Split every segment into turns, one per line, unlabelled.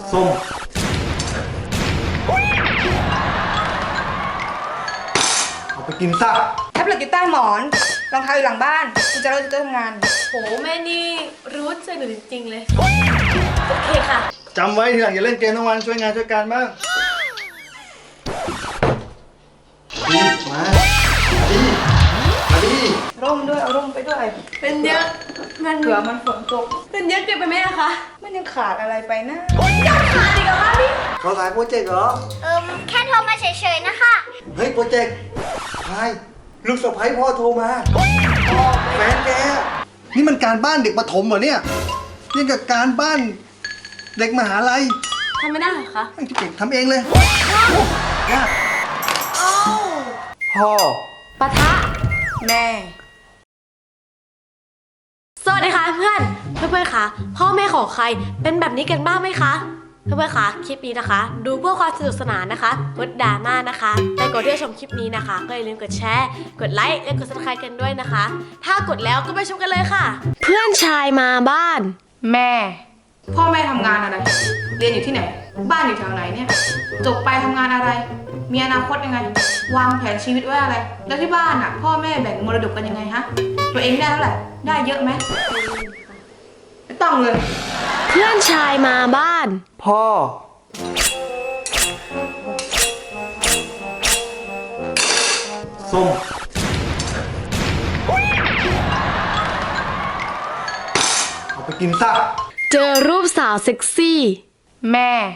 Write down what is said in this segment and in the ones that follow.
ส้มเอาไปกินซะ
แท็บเล็ตอยู่ใต้หมอนรองเท้าอยู่หลังบ้านคุณจะเริ่มทำงาน
โหแม่นี่รู้ใจหนูจริงๆเลยโอเคค่ะ
จำไว้ทีหลังอย่าเล่นเกมทั้งวันช่วยงานช่วยการบ้างมาดิ
ร่มด้วยเอาร่มไปด้วย
เป็นเยอะ
เผื่อมันฝนตก
เป็นเยอะเกินไปไหมอะคะ
มันยังขาดอะไรไปนะ
ยังขาดอีกเหรอคะพี่
เขาถ่ายโปรเจกต์เหรอ
แค่โทรมาเฉยๆนะคะ
เฮ้ยโปรเจกต์ใช่ลูกสะใภ้พ่อโทรมาแฟนแกนี่มันการบ้านเด็กประถมเหรอเนี่ยยังกับการบ้านเด็กมหาลัย
ทำไม่ได้เหรอคะ
ไอ้ที่เก่งทำเองเลยยาก
เอ้า
พ่อ
ปะทะ
แม่
สวัสดีค่ะเพื่อนค่ะพ่อแม่ของใครเป็นแบบนี้กันบ้างไหมคะเพื่อนๆค่ะคลิปนี้นะคะ ดูเพื่อความสนุกสนานนะคะงดดราม่านะคะแต่ก่อนที่จะชมคลิปนี้นะคะก็อย่าลืมกดแชร์กดไลค์และกด subscribe กันด้วยนะคะถ้ากดแล้วก็ไปชมกันเลยค่ะ เพื่อนชายมาบ้าน
แม่ พ่อแม่ทำงานอะไร เรียนอยู่ที่ไหน บ้านอยู่แถวไหนเนี่ย จบไปทำงานอะไร มีอนาคตยังไง วางแผนชีวิตไว้อะไร แล้วที่บ้านอ่ะ พ่อแม่แบ่งมรดกกันยังไงฮะ ตัวเองได้เท่าไหร่ ได้เยอะไหมไม่ต้องเลย
เพื่อนชายมาบ้าน
พ่อส้มเอาไปกินซะ
เจอรูปสาวเซ็กซี่
แม่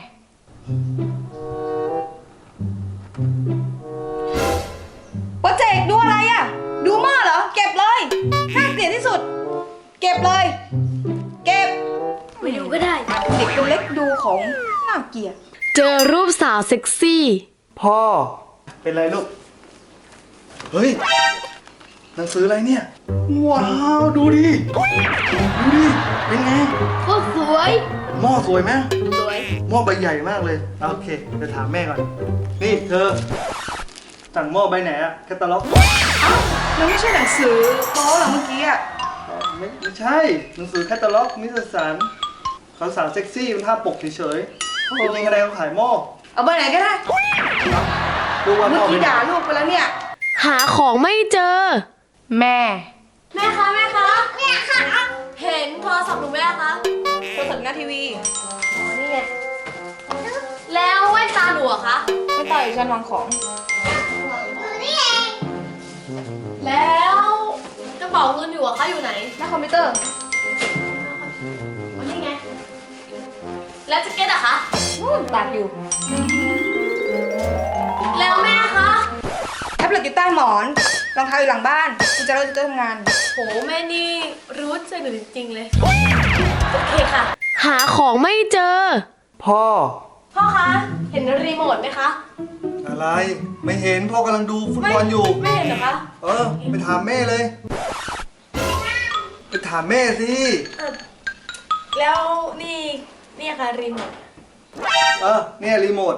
โปรเจกต์ดูอะไรอ่ะ ดูหม้อเหรอ เก็บเลยน่าเกลียดที่สุด เก็บเลย เก็บ
ไม่ดูก็ได้
เด็กตัวเล็กดูของน่าเกลียด
เจอรูปสาวเซ็กซี่
พ่อเป็นไรลูกเฮ้ยหนังสืออะไรเนี่ยว้าวดูดิเป็นไง
ก็สวย
หม้อสวยไหม
สวย
หม้อใบใหญ่มากเลยโอเคจะถามแม่ก่อนนี่เธอสั่งหม้อใบไหนอะแคตตาล็อก
แล้วไม่ใช่หนังสือโป๊เหรอเมื่อกี้อ่ะ
ไม่ใช่หนังสือแคตตาล็อกนิตยสารเขาสาวเซ็กซี่เป็นภาพปกเฉยๆจริงๆอะไรเขาขายหม้อ
เอาเบอร์ไหนก็ได้
ดูว่า
เมื่
พ่
อ
อเป็
กี้
น
ด่าลูกไปแล้วเนี่ย
หาของไม่เจอ
แม่
แม่คะแม่คะเห็นโทรศัพท์หนูไหมล่ะคะ
โทรศัพท์หน้าทีวี
อ๋อนี่ไงแล้วแว่นตาหนูอะคะ
ไม่ต่อยชั้นวางของ
แล้วกระเป๋าเงินอยู่อะคะอยู่ไหน
หน้าคอมพิวเตอร์
อ๋อนี่ไงแล้วแจ็คเก็ตอะคะ
ตากอยู่
แล้วแม่คะ
แท็บเล็ตอยู่ใต้หมอนรองเท้าอยู่หลังบ้านคุณจะเริ่มทำงาน
โหแม่นี่รู้ใจหนูจริงๆเลยโอเคค่ะ หาของไม่เจอ
พ่อ
พ่อคะเห็นรีโมทไหมคะ
อะไรไม่เห็นพ่อกำลังดูฟุตบอลอยู่
ไม่เห็นเหรอคะ
ไปถามแม่เลย ไปถามแม่สิ
แล้วนี่ค่ะรีโมท
เนี่ยรีโมท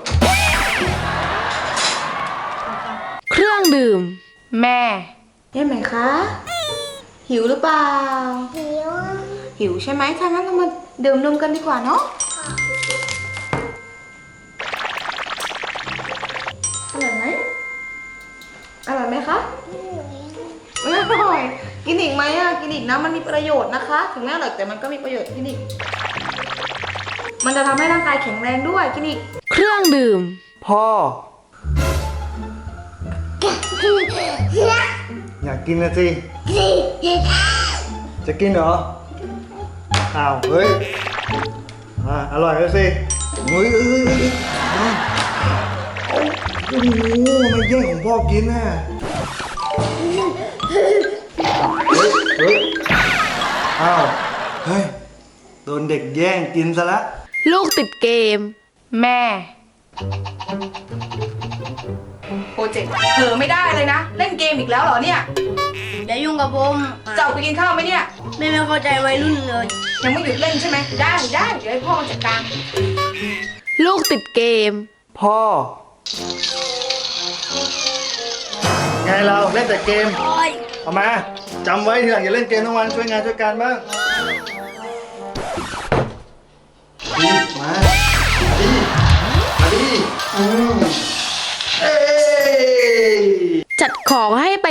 เครื่องดื่ม
แม่ได้ไหมคะ หิวหรือเปล่า หิวใช่ไหมถ้างั้นเรามาดื่มนมกันดีกว่าเนาะอร่อยไหมอร่อยไหมคะไม่อร่อยกินอีกไหมอ่ะกินอีกนะมันมีประโยชน์นะคะ ถึงแม้อร่อยแต่มันก็มีประโยชน์กินอีกมันจะทำให้ร่างกายแข็งแรงด้วยกินอีก
เครื่องดื่ม
พ่อ อยากกินนะสิจะกินเหรออ้าวเฮ้ยอร่อยแล้วสิเฮ้ยโอ้โหไม่แย่งของพ่อกินน่ะเฮ้ยอ้าวเฮ้ยโดนเด็กแย่งกินซะละ
ลูกติดเกม
แม่โปรเจกต์เผลอไม่ได้เลยนะ เล่นเกมอีกแล้วเหรอเนี่ย
อย่ายุ่งกับผม
จะออกไปกินข้าวไหมเนี่ย
ไม่เข้าใจวัยรุ่นเลย
ยังไม่หยุดเล่นใช่ไหมได้เดี๋ยวให้พ่อมาจัดการ
ลูกติดเกม
พ่อไงเราเล่นแต่เกมเอามาจำไว้ทีหลังอย่าเล่นเกมทั้งวันช่วยงานช่วยการบ้างมา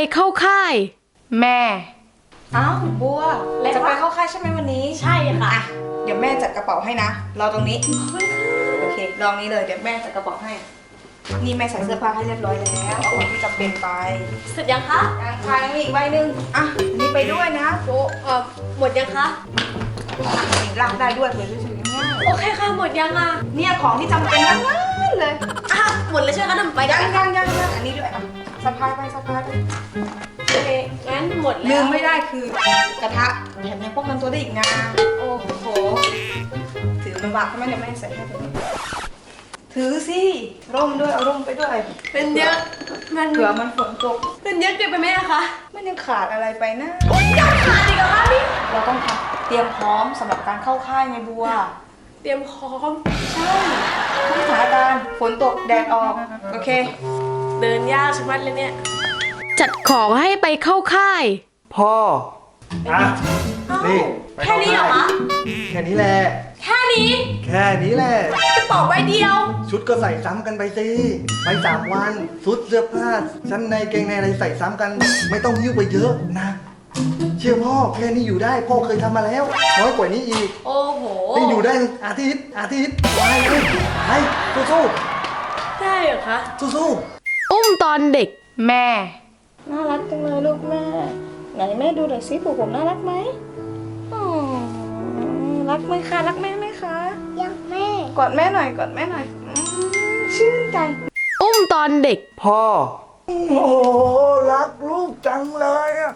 เข้าค่าย
แม่อ้าวบัว
แล้ว
จะไปเข้าค่ายใช่ไหมวันนี้
ใช่ค่ะ
อ่ะเดี๋ยวแม่จัดกระเป๋าให้นะรอตรงนี้โอเคลองนี้เลยเดี๋ยวแม่จัดกระเป๋าให้ นี่แม่ใส่เสื้อผ้าให้เรียบร้อยแล้วเอาของที่จำเป็นไป
เสร็จยังคะ
ยังค่ะยังมีอีกใบหนึ่งอ่ะอันนี่ไปด้วยนะโป๊ะ
หมดยังคะ
ลากได้ด้วยเลยสวยๆง่าย
โอเคค่ะหมดยังอ่ะ
ๆเนี่ยของที่จำเป็นทั้งนั้นเลย
อ่ะหมดแล้วใช่ไหมคะนำไปได้
ยังอันนี้ด้วยอ่ะสะพายไปสะพายไปโอเค
งั้นหมดแล้ว
ลืมไม่ได้คือกระทะแถมยังป้องกันตัวได้อีกนะโอ้โหถือลำบากใช่ไหมเดี๋ยวแม่ใส่ให้ตัวนี้ถือสิร่มด้วยเอาร่มไปด้วย
เป็นเยอะมัน
เผื่อมันฝนตก
เป็นเยอะเกินไปไหมอะคะ
มันยังขาดอะไรไปนะ
ยังขาดอีกเหรอคะพี่
เราต้องเตรียมพร้อมสำหรับการเข้าค่ายไงบัว
เตรียมพร้อม
ใช่ทุกสถานการณ์ฝนตกแดดออกโอเค
เดินยากชะมัดเลยเนี่ย จัดของให้ไปเข้าค่าย
พ่ออ่ะนี่ไป
แค่นี้เหรอคะ
แค่นี้แหละ
แค่นี้
แค่นี้แหละ
กระเป๋าใบเดียว
ชุดก็ใส่ซ้ำกันไปสิไป3 วันชุดเสื้อผ้าชั้นในเกงในอะไรใส่ซ้ำกัน ไม่ต้องยิ้วไปเยอะนะ เชื่อพ่อแค่นี้อยู่ได้พ่อเคยทำมาแล้ว น้อยกว่านี้อีก
โอ้โห
นี่อยู่ได้อาทิตย์ไปเลยไปสู้
ได้เหรอคะ
ๆสู้
อุ้มตอนเด็ก
แม่น่ารักจังเลยลูกแม่ไหนแม่ดูหน่อยสิผูกผมน่ารักไหมอ๋อรักไหมคะรักแม่ไหมคะ
ยังแม่
กอดแม่หน่อยกอดแม่หน่อยชื่นใจ
อุ้มตอนเด็ก
ๆพ่อโอ้โหรักลูกจังเลยอะ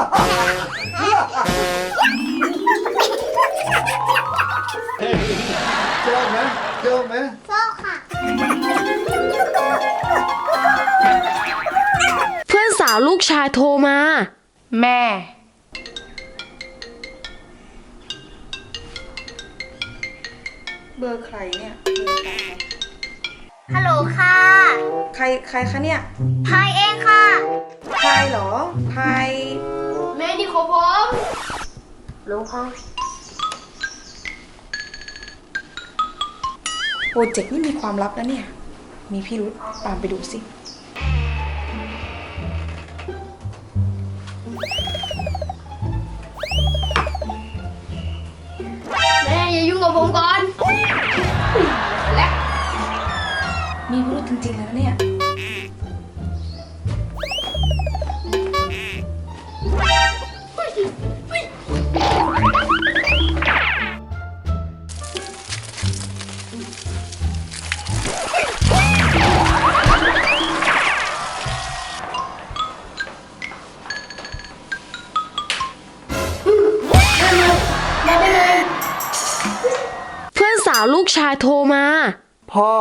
ชอบไหมชอบไหม
โซ่ค่ะ
เพื่อนสาวลูกชายโทรมา
แม่ เบอร์ใครเนี่ย
ฮัลโหลค่ะ
ใครคะเนี่ย
พายเองค่ะ
พายเหรอพาย
แม่นี่ขอผม
รู้ค่ะ
โปรเจกต์นี่มีความลับนะเนี่ย มีพี่รุธตามไปดูสิ
แม่อย่ายุ่งกับผมก่อน
และมีพี่รุธจริงๆแล้วเนี่ย
เพื่อนสาวลูกชายโทรมา
พ่อ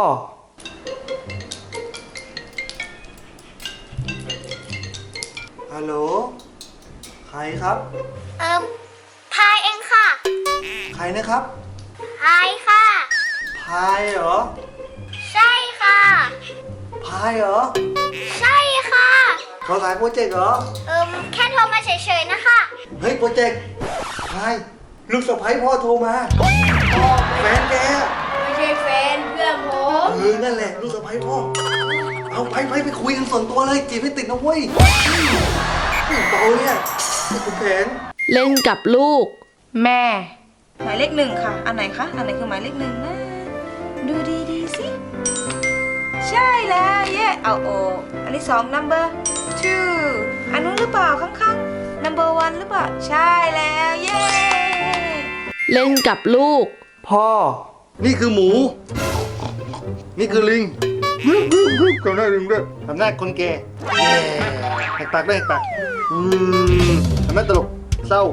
ฮัลโหลใครครับ
พายเองค่ะ
ใครนะครับ
พายค่ะ
พายเหรอ
ใช่ค่ะ
พายเหรอ
ใช่ค่ะ
ขอสายโปรเจกต์เหรอ
แค่โทรมาเฉยๆนะคะ
เฮ้ยโปรเจกต์พายลูกสะใภ้พ่อโทรมาแฟนแก
ไม่ใช่แฟนเพื่อนผม
นั่นแหละลูกสะใภ้พ่อเอาไปคุยกันส่วนตัวเลยจีบให้ติดนะเว้ยเบาเนี่ยนี่คุณแผน
เล่นกับลูก
แม่ หมายเลข 1ค่ะ อันไหนคะ อันไหนคือหมายเลข 1นะ ดูดีๆสิ ใช่แล้วเย่เอาโออันนี้2 number 2อันนู้นหรือเปล่าข้างๆ number 1หรือเปล่า ใช่แล้วเย่
เล่นกับลูก
พ่อ นี่คือหมู นี่คือลิงทำหน้าลิงด้วยทำหน้าคนแก่แหกปากด้วยแหกปากทำหน้าตลกเศร้า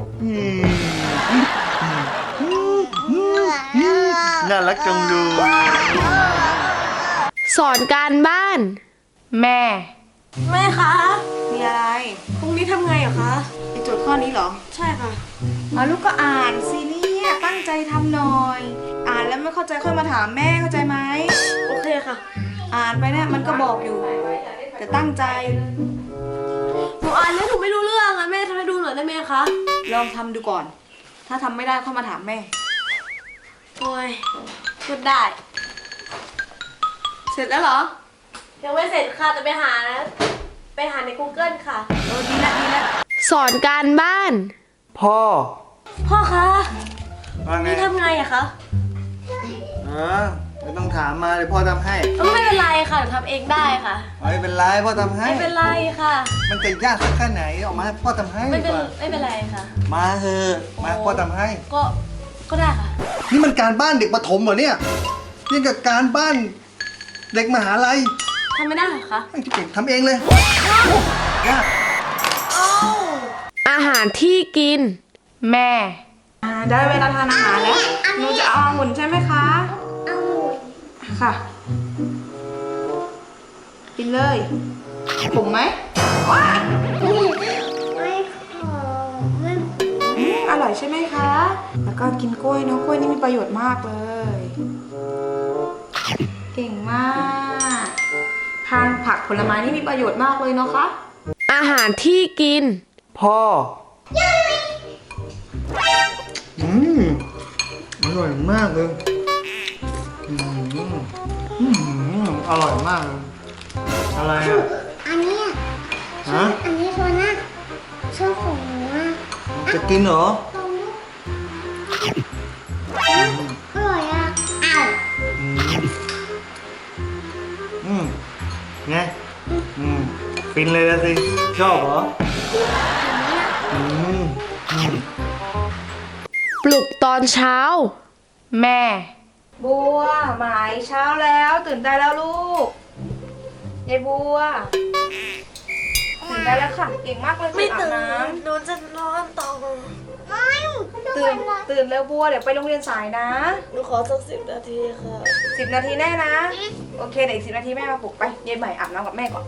น่ารักจังดู
สอนการบ้าน
แม่
แม่คะ
มีอะไร
พรุ่งนี้ทำไงเหรอคะ
ไอโจทย์ข้อนี้เหรอ
ใช่ค่ะ
ลูกก็อ่านสิเนี่ยตั้งใจทำหน่อย อ่านแล้วไม่เข้าใจค่อยมาถามแม่เข้าใจไหม
โอเคค่ะ
อ่านไปเนี่ยมันก็บอกอยู่ แต่ตั้งใจ
หนูอ่านแล้วหนูไม่รู้เรื่องอะแม่ทำให้ดูหน่อยได้ไหมคะ
ลองทำดูก่อน ถ้าทำไม่ได้ค่อยมาถามแม่
โอ้ยพูดได้
เสร็จแล้วเหรอ
ยังไม่เสร็จค่ะจะไปหานะไปหาใน Google ค่ะ
ดีละดีละ
สอนการบ้าน
พ่อ
พ่อคะ
ว่าไง
นี่ทำไงอะคะ
ไม่ต้องถามมาเดี๋ยวพ่อทำให้
ไม่เป็นไรค่ะทำเองได้ค่ะ
ไม่เป็นไรพ่อทำให้
ไม่เป็นไรค่ะ
มันจะยากสักแค่ไหนออกมาให้พ่อทำให้
ไม่
ดี
เป็น
กว่า
ไม่เป็นไรค่ะ
มาเถอะมาพ่อทำให้
ก็ได้ค่ะ
นี่มันการบ้านเด็กประถมเหรอเนี่ยยังกับการบ้านเด็กมหาลัย
ทำไม่ได้เหรอคะ
ไม่เก่งทำเองเลยยาก
อาหารที่กิน
แม่ได้เวลาทานอาหารแล้วหนูจะเอาองุ่นใช่ไหมคะ
เอาหมู
ค่ะ กินเลยขมไหมว้าย
ไม่ขอไม่
อร่อยใช่ไหมคะ แล้วก็กินกล้วยเนาะกล้วยนี่มีประโยชน์มากเลย เก่งมากทานผักผลไม้นี่มีประโยชน์มากเลยเนาะคะ
อาหารที่กิน
พ่ออร่อยมากเลยอร่อยมากเลยอะไรอ่ะ
อันเนี้ย
ฮะ
อันนี้โซน่าชอบของหนูอ่ะ
จะกินเหรอ
อร่อยอ่ะอ้าว
ไงฟินเลยละสิ ชอบเหรอ
ปลุกตอนเช้า
แม่ บัวหมายเช้าแล้วตื่นได้แล้วลูกยายบัวตื่นได้แล้วค่ะเก่งมากเลยอาบน้ำ
หนูจะนอนต่อ
ไม่ดู
ตื่น
เลย
ตื่นเร็วบัวเดี๋ยวไปโรงเรียนสายนะ
หนูขอสัก10 นาทีค่ะ
10 นาทีแน่นะ โอเคเดี๋ยวอีก10 นาทีแม่มาปลุกไปยายใหม่อาบน้ำกับแม่ก่อน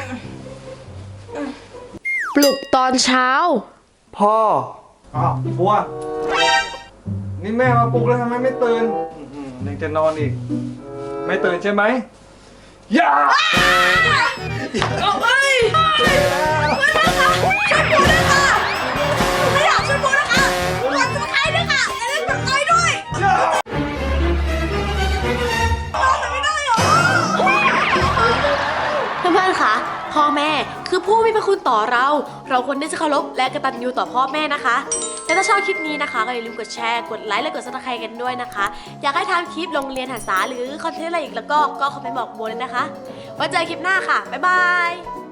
ปลุกตอนเช้า
พ่อบัว นี่แม่มาปลุกแล้วทำไมไม่ตื่นยังจะนอนอีก ไม่ตื่นใช่ไหมอย่า
เพื่อนๆ คะ พ่อแม่คือผู้มีพระคุณต่อเรา เราควรที่จะเคารพและกตัญญูต่อพ่อแม่นะคะ และถ้าชอบคลิปนี้นะคะก็อย่าลืมกดแชร์ กดไลค์ และกดซับสไครต์กันด้วยนะคะ อยากให้ทำคลิปโรงเรียนหันษาหรือคอนเทนต์อะไรอีกแล้วก็คอมเมนต์บอกโบเลยนะคะ ไว้เจอคลิปหน้าค่ะ บ๊ายบาย